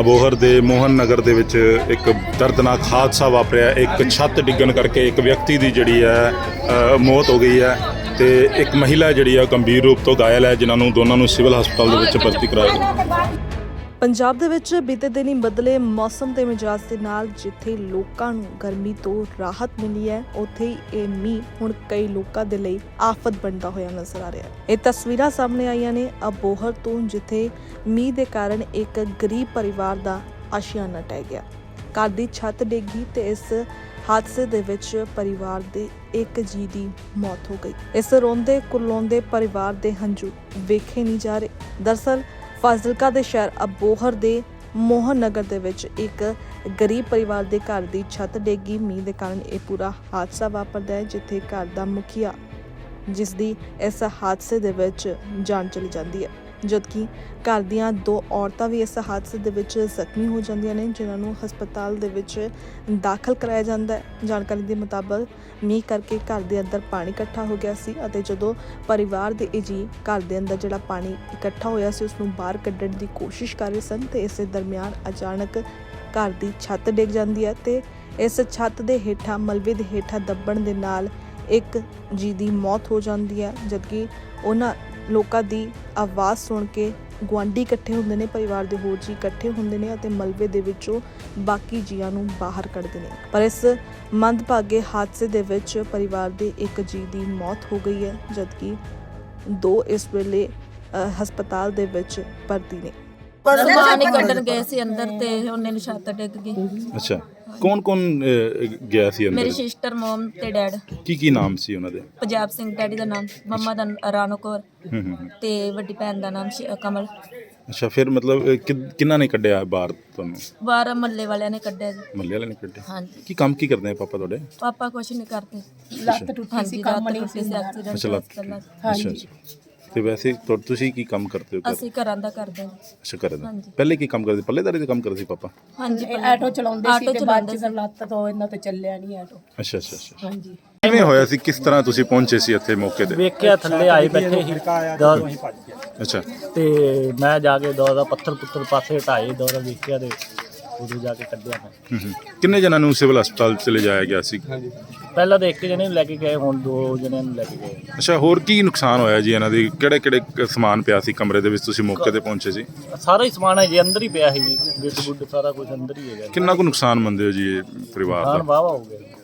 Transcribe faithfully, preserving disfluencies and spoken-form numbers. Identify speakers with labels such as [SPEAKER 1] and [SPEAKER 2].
[SPEAKER 1] ਅਬੋਹਰ ਦੇ ਮੋਹਨ ਨਗਰ ਦੇ ਵਿੱਚ ਇੱਕ ਦਰਦਨਾਕ ਹਾਦਸਾ ਵਾਪਰਿਆ। ਇੱਕ ਛੱਤ ਡਿੱਗਣ ਕਰਕੇ ਇੱਕ ਵਿਅਕਤੀ ਦੀ ਜਿਹੜੀ ਹੈ ਅ, ਮੌਤ ਹੋ ਗਈ ਹੈ ਤੇ ਇੱਕ ਮਹਿਲਾ ਜਿਹੜੀ ਹੈ ਗੰਭੀਰ ਰੂਪ ਤੋਂ ਘਾਇਲ ਹੈ, ਜਿਨ੍ਹਾਂ ਨੂੰ ਦੋਨਾਂ ਨੂੰ ਸਿਵਲ ਹਸਪਤਾਲ ਦੇ ਵਿੱਚ ਭਰਤੀ ਕਰਾਇਆ ਗਿਆ।
[SPEAKER 2] ਪੰਜਾਬ ਦੇ ਵਿੱਚ ਬੀਤੇ ਦਿਨੀ ਬਦਲੇ ਮੌਸਮ ਦੇ ਮਿਜਾਜ ਦੇ ਨਾਲ ਜਿੱਥੇ ਲੋਕਾਂ ਨੂੰ ਗਰਮੀ ਤੋਂ ਰਾਹਤ ਮਿਲੀ ਹੈ, ਉੱਥੇ ਹੀ ਇਹ ਮੀਂਹ ਹੁਣ ਕਈ ਲੋਕਾਂ ਦੇ ਲਈ ਆਫਤ ਬਣਦਾ ਹੋਇਆ ਨਜ਼ਰ ਆ ਰਿਹਾ ਹੈ। ਇਹ ਤਸਵੀਰਾਂ ਸਾਹਮਣੇ ਆਈਆਂ ਨੇ ਅਬੋਹਰ ਤੋਂ, ਜਿੱਥੇ ਮੀਂਹ ਦੇ ਕਾਰਨ ਇੱਕ ਗਰੀਬ ਪਰਿਵਾਰ ਦਾ ਆਸ਼ੀਆਨਾ ਟਹਿ ਗਿਆ। ਘਰ ਦੀ ਛੱਤ ਡਿੱਗੀ ਤੇ ਇਸ ਹਾਦਸੇ ਦੇ ਵਿੱਚ ਪਰਿਵਾਰ ਦੇ ਇੱਕ ਜੀ ਦੀ ਮੌਤ ਹੋ ਗਈ। ਇਸ ਰੋਂਦੇ ਕੁਰਲਾਉਂਦੇ ਪਰਿਵਾਰ ਦੇ ਹੰਝੂ ਵੇਖੇ ਨਹੀਂ ਜਾ ਰਹੇ। ਦਰਅਸਲ ਫਾਜ਼ਿਲਕਾ ਦੇ ਸ਼ਹਿਰ ਅਬੋਹਰ ਦੇ ਮੋਹਨ ਨਗਰ ਦੇ ਵਿੱਚ ਇੱਕ ਗਰੀਬ ਪਰਿਵਾਰ ਦੇ ਘਰ ਦੀ ਛੱਤ ਡਿੱਗੀ। ਮੀਂਹ ਦੇ ਕਾਰਨ ਇਹ ਪੂਰਾ ਹਾਦਸਾ ਵਾਪਰਦਾ ਹੈ, ਜਿੱਥੇ ਘਰ ਦਾ ਮੁਖੀਆ ਜਿਸ ਦੀ ਇਸ ਹਾਦਸੇ ਦੇ ਵਿੱਚ ਜਾਨ ਚਲੀ ਜਾਂਦੀ ਹੈ, ਜਦਕਿ ਘਰ ਦੀਆਂ ਦੋ ਔਰਤਾਂ ਵੀ ਇਸ ਹਾਦਸੇ ਦੇ ਵਿੱਚ ਜ਼ਖਮੀ ਹੋ ਜਾਂਦੀਆਂ ਨੇ, ਜਿਨ੍ਹਾਂ ਨੂੰ ਹਸਪਤਾਲ ਦੇ ਵਿੱਚ ਦਾਖਲ ਕਰਾਇਆ ਜਾਂਦਾ ਹੈ। ਜਾਣਕਾਰੀ ਦੇ ਮੁਤਾਬਕ ਮੀਂਹ ਕਰਕੇ ਘਰ ਦੇ ਅੰਦਰ ਪਾਣੀ ਇਕੱਠਾ ਹੋ ਗਿਆ ਸੀ ਅਤੇ ਜਦੋਂ ਪਰਿਵਾਰ ਦੇ ਇਹ ਜੀ ਘਰ ਦੇ ਅੰਦਰ ਜਿਹੜਾ ਪਾਣੀ ਇਕੱਠਾ ਹੋਇਆ ਸੀ ਉਸ ਨੂੰ ਬਾਹਰ ਕੱਢਣ ਦੀ ਕੋਸ਼ਿਸ਼ ਕਰ ਰਹੇ ਸਨ ਤੇ ਇਸੇ ਦਰਮਿਆਨ ਅਚਾਨਕ ਘਰ ਦੀ ਛੱਤ ਡਿੱਗ ਜਾਂਦੀ ਹੈ ਤੇ ਇਸ ਛੱਤ ਦੇ ਹੇਠਾਂ ਮਲਬੇ ਦੇ ਹੇਠਾਂ ਦੱਬਣ ਦੇ ਨਾਲ ਇੱਕ ਜੀ ਦੀ ਮੌਤ ਹੋ ਜਾਂਦੀ ਹੈ, ਜਦਕਿ ਉਹਨਾਂ ਲੋਕਾਂ ਦੀ ਆਵਾਜ਼ ਸੁਣ ਕੇ ਗੁਆਂਢੀ ਇਕੱਠੇ ਹੁੰਦੇ ਨੇ, ਪਰਿਵਾਰ ਦੇ ਹੋਰ ਜੀ ਇਕੱਠੇ ਹੁੰਦੇ ਨੇ ਅਤੇ ਮਲਬੇ ਦੇ ਵਿੱਚੋਂ ਬਾਕੀ ਜੀਆਂ ਨੂੰ ਬਾਹਰ ਕੱਢਦੇ ਨੇ। ਪਰ ਇਸ ਮੰਦਭਾਗੇ ਹਾਦਸੇ ਦੇ ਵਿੱਚ ਪਰਿਵਾਰ ਦੇ ਇੱਕ ਜੀ ਦੀ ਮੌਤ ਹੋ ਗਈ ਹੈ, ਜਦਕਿ ਦੋ ਇਸ ਵੇਲੇ ਅ, ਹਸਪਤਾਲ ਦੇ ਵਿੱਚ ਭਰਤੀ ਨੇ।
[SPEAKER 3] ਸਮਾਨ ਹੀ ਕੱਢਣ ਗਏ ਸੀ ਅੰਦਰ ਤੇ ਉਹਨੇ ਨੂੰ ਛੱਤ ਡਿੱਗ ਗਈ।
[SPEAKER 1] ਅੱਛਾ, ਕੌਣ ਕੌਣ ਗਿਆ ਸੀ
[SPEAKER 3] ਮੇਰੀ
[SPEAKER 1] ਅੰਦਰ?
[SPEAKER 3] ਸਿਸਟਰ, ਮਮ ਤੇ ਡੈਡ।
[SPEAKER 1] ਕੀ ਕੀ ਨਾਮ ਸੀ ਉਹਨਾਂ ਦੇ?
[SPEAKER 3] ਪੰਜਾਬ ਸਿੰਘ ਡੈਡੀ ਦਾ ਨਾਮ, ਮੰਮਾ ਦਾ ਰਾਣੋ ਕੌਰ
[SPEAKER 1] ਹੂੰ ਹੂੰ
[SPEAKER 3] ਤੇ ਵੱਡੀ ਭੈਣ ਦਾ ਨਾਮ ਸ਼ਿ- ਕਮਲ।
[SPEAKER 1] ਅੱਛਾ, ਫਿਰ ਮਤਲਬ ਅ, ਕਿ- ਕਿਹਨਾਂ ਨੇ ਕੱਢਿਆ ਬਾਹਰ ਤੁਹਾਨੂੰ?
[SPEAKER 3] ਬਾਹਰ ਮੱਲੇ ਵਾਲਿਆਂ ਨੇ ਕੱਢਿਆ ਜੀ।
[SPEAKER 1] ਮੱਲੇ ਵਾਲੇ ਨੇ ਕੱਢਿਆ?
[SPEAKER 3] ਹਾਂਜੀ,
[SPEAKER 1] ਕੀ ਕੰਮ ਕੀ ਕਰਦੇ ਆ ਪਾਪਾ ਤੁਹਾਡੇ?
[SPEAKER 3] ਪਾਪਾ ਕੁਛ ਨਹੀਂ ਕਰਦੇ।
[SPEAKER 4] ਲੱਤ ਟੁੱਟੀ ਸੀ, ਕੰਮ ਨਹੀਂ ਸੀ ਹੁੰਦਾ।
[SPEAKER 3] ਐਕਸੀਡੈਂਟ
[SPEAKER 1] ਅੱਛਾ, ਲੱਤ
[SPEAKER 3] ਪਹਿਲਾਂ
[SPEAKER 1] ਅੱਛਾ ਅੱਛਾ। ਤੇ ਵੈਸੇ ਤੁ- ਤੁਸੀਂ ਕੀ ਕੰਮ ਕਰਦੇ ਹੋ ਘਰ?
[SPEAKER 3] ਅਸੀਂ ਘਰਾਂ ਦਾ ਕਰਦੇ ਹਾਂ।
[SPEAKER 1] ਅੱਛਾ, ਕਰਦੇ ਹੋ।
[SPEAKER 3] ਹਾਂਜੀ।
[SPEAKER 1] ਪਹਿਲੇ ਕੀ ਕੰਮ ਕਰਦੇ? ਪੱਲੇਦਾਰੀ ਦਾ ਕੰਮ ਕਰਦੇ ਸੀ ਪਾਪਾ?
[SPEAKER 3] ਹਾਂਜੀ,
[SPEAKER 4] ਇਹ ਆਟੋ ਚਲਾਉਂਦੇ ਸੀ
[SPEAKER 3] ਆਟੋ
[SPEAKER 4] ਤੇ ਬਾਅਦ
[SPEAKER 3] ਚਲਾਉਂਦੇ
[SPEAKER 4] ਚ ਫਿਰ ਲੱਤ ਤੋਂ ਇਹਨਾਂ ਤੋਂ ਚੱਲਿਆ ਨਹੀਂ ਆਟੋ।
[SPEAKER 1] ਅੱਛਾ ਅੱਛਾ ਅੱਛਾ।
[SPEAKER 4] ਹਾਂਜੀ,
[SPEAKER 1] ਕਿਵੇਂ ਹੋਇਆ ਸੀ? ਕਿਸ ਤਰ੍ਹਾਂ ਤੁਸੀਂ ਪਹੁੰਚੇ ਸੀ ਇੱਥੇ ਮੌਕੇ ਤੇ?
[SPEAKER 5] ਵੇਖਿਆ ਥੱਲੇ ਆਏ ਬੈਠੇ ਸੀ ਦੌੜ
[SPEAKER 1] ਅੱਛਾ
[SPEAKER 5] ਤੇ ਮੈਂ ਜਾ ਕੇ ਦੌੜ ਦਾ ਪੱਥਰ ਪੁੱਤਰ ਪਾਸੇ ਹਟਾਏ, ਦੌੜ ਵੇਖਿਆ ਤੇ ਉਦੋਂ ਜਾ ਕੇ ਕੱਢਿਆ ਮੈਂ।
[SPEAKER 1] ਹੂੰ ਹੂੰ। ਕਿੰਨੇ ਜਣਾਂ ਨੂੰ ਸਿਵਲ ਹਸਪਤਾਲ ਚ ਲਿਜਾਇਆ ਗਿਆ ਸੀ?
[SPEAKER 5] ਪਹਿਲਾਂ ਤਾਂ ਇੱਕ ਜਣੇ ਨੂੰ ਲੈ ਕੇ ਗਏ, ਹੁਣ ਦੋ ਜਣਿਆਂ ਨੂੰ ਲੈ ਕੇ ਗਏ।
[SPEAKER 1] ਅੱਛਾ, ਹੋਰ ਕੀ ਨੁਕਸਾਨ ਹੋਇਆ ਜੀ ਇਹਨਾਂ ਦੀ? ਕਿਹੜੇ ਕਿਹੜੇ ਸਮਾਨ ਪਿਆ ਸੀ ਕਮਰੇ ਦੇ ਵਿੱਚ? ਤੁਸੀਂ ਮੌਕੇ ਤੇ ਪਹੁੰਚੇ ਸੀ?
[SPEAKER 5] ਸਾਰਾ ਹੀ ਸਮਾਨ ਹੈ ਜੀ ਅੰਦਰ ਹੀ ਪਿਆ ਸੀ ਜੀ, ਬਿੱਡ ਬੁੱਡ ਸਾਰਾ ਕੁਝ ਅੰਦਰ ਹੀ ਹੈਗਾ।
[SPEAKER 1] ਕਿੰਨਾ ਕੁ ਨੁਕਸਾਨ ਮੰਨਦੇ ਹੋ ਜੀ ਇਹ ਪਰਿਵਾਰ
[SPEAKER 5] ਨੁਕਸਾਨ
[SPEAKER 1] ਦਾ?
[SPEAKER 5] ਵਾਹਵਾ ਹੋ ਗਿਆ।